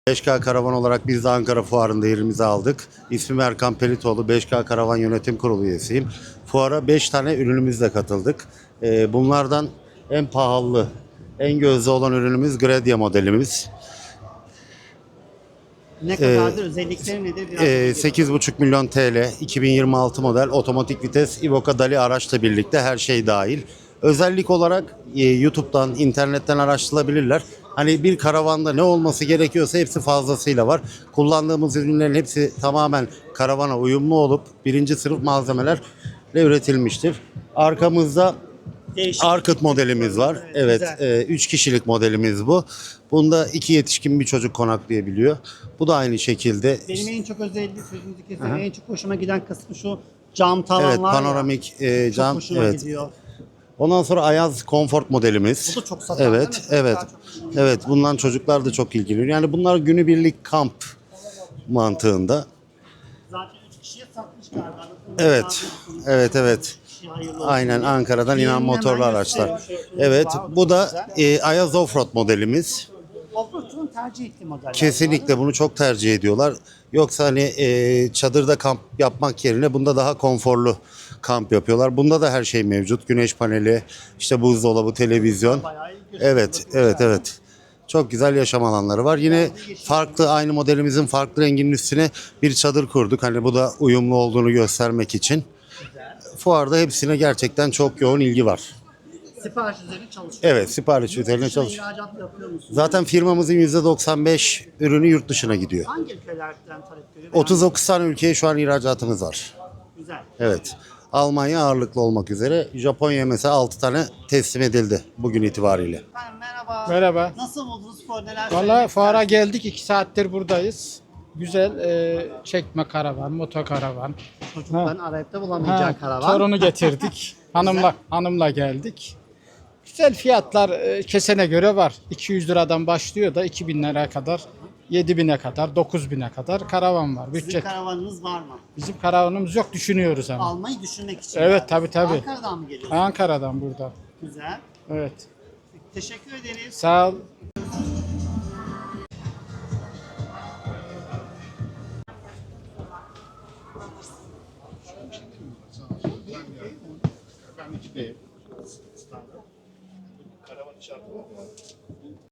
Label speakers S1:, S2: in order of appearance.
S1: 5K Karavan olarak biz de Ankara Fuarı'nda yerimizi aldık. İsmim Erkan Pelitoğlu, 5K Karavan Yönetim Kurulu üyesiyim. Fuara 5 tane ürünümüzle katıldık. Bunlardan en pahalı, en gözde olan ürünümüz Gradia modelimiz.
S2: Ne kadardır, özellikleri nedir? Biraz
S1: 8,5 milyon TL, 2026 model otomatik vites Iveco Dali araçla birlikte her şey dahil. Özellik olarak YouTube'dan, internetten araştırılabilirler. Hani bir karavanda ne olması gerekiyorsa hepsi fazlasıyla var. Kullandığımız ürünlerin hepsi tamamen karavana uyumlu olup birinci sınıf malzemelerle üretilmiştir. Arkamızda
S2: değişik.
S1: Arkıt modelimiz var. Evet,
S2: güzel.
S1: 3 kişilik modelimiz bu. Bunda 2 yetişkin bir çocuk konaklayabiliyor. Bu da aynı şekilde.
S2: Benim en çok özelliği, sözünüzü kesin, en çok hoşuma giden kısmı şu cam tavanlar
S1: Evet, panoramik
S2: ya.
S1: cam.
S2: Çok hoşuma
S1: Evet.
S2: gidiyor.
S1: Ondan sonra Ayaz Comfort modelimiz.
S2: Bu da çok satan,
S1: Evet,
S2: değil mi?
S1: evet.
S2: Çocuklar çok ilgileniyor.
S1: Evet, bundan çocuklar da çok ilgileniyor. Yani bunlar günübirlik kamp mantığında.
S2: Zaten 3 kişiye satmış galiba.
S1: Evet. Evet, evet. Aynen, Ankara'dan inen motorlu araçlar. Evet, bu da Ayaz Offroad modelimiz.
S2: Offroad'un tercih ettiği modeller.
S1: Kesinlikle bunu çok tercih ediyorlar. Yoksa hani çadırda kamp yapmak yerine bunda daha konforlu kamp yapıyorlar. Bunda da her şey mevcut. Güneş paneli, işte buzdolabı, televizyon.
S2: Bayağı iyi gösteriyor.
S1: Evet, evet, evet. Çok güzel yaşam alanları var. Yine farklı, aynı modelimizin farklı renginin üstüne bir çadır kurduk. Hani bu da uyumlu olduğunu göstermek için. Fuarda hepsine gerçekten çok yoğun ilgi var.
S2: Sipariş üzerine çalışıyor.
S1: Evet, sipariş üzerine
S2: Dışına
S1: çalışıyor.
S2: ihracat yapıyor musunuz?
S1: Zaten firmamızın %95 ürünü yurt dışına gidiyor.
S2: Hangi ülkelerden talep görüyor?
S1: 39 tane ülkeye şu an ihracatımız var.
S2: Güzel.
S1: Evet. Almanya ağırlıklı olmak üzere. Japonya mesela 6 tane teslim edildi bugün itibariyle.
S2: Efendim merhaba.
S3: Merhaba.
S2: Nasıl buldunuz fuar, neler
S3: Valla
S2: söylemek
S3: fuara
S2: istersiniz?
S3: geldik, 2 saattir buradayız. Güzel çekme karavan, motokaravan.
S2: Çocukların arayıp da bulamayacağı karavan.
S3: Torunu getirdik. hanımla geldik. Güzel fiyatlar kesene göre var. 200 liradan başlıyor da 2000 liraya kadar, 7000'e kadar, 9000'e kadar karavan var.
S2: Sizin
S3: Bütçe.
S2: karavanınız var mı?
S3: Bizim karavanımız yok, düşünüyoruz ama.
S2: Almayı düşünmek için.
S3: Evet,
S2: yani.
S3: tabii.
S2: Ankara'dan mı geliyorsunuz?
S3: Ankara'dan burada.
S2: Güzel.
S3: Evet.
S2: Teşekkür ederiz.
S3: Sağ ol.
S1: Karavan işareti var.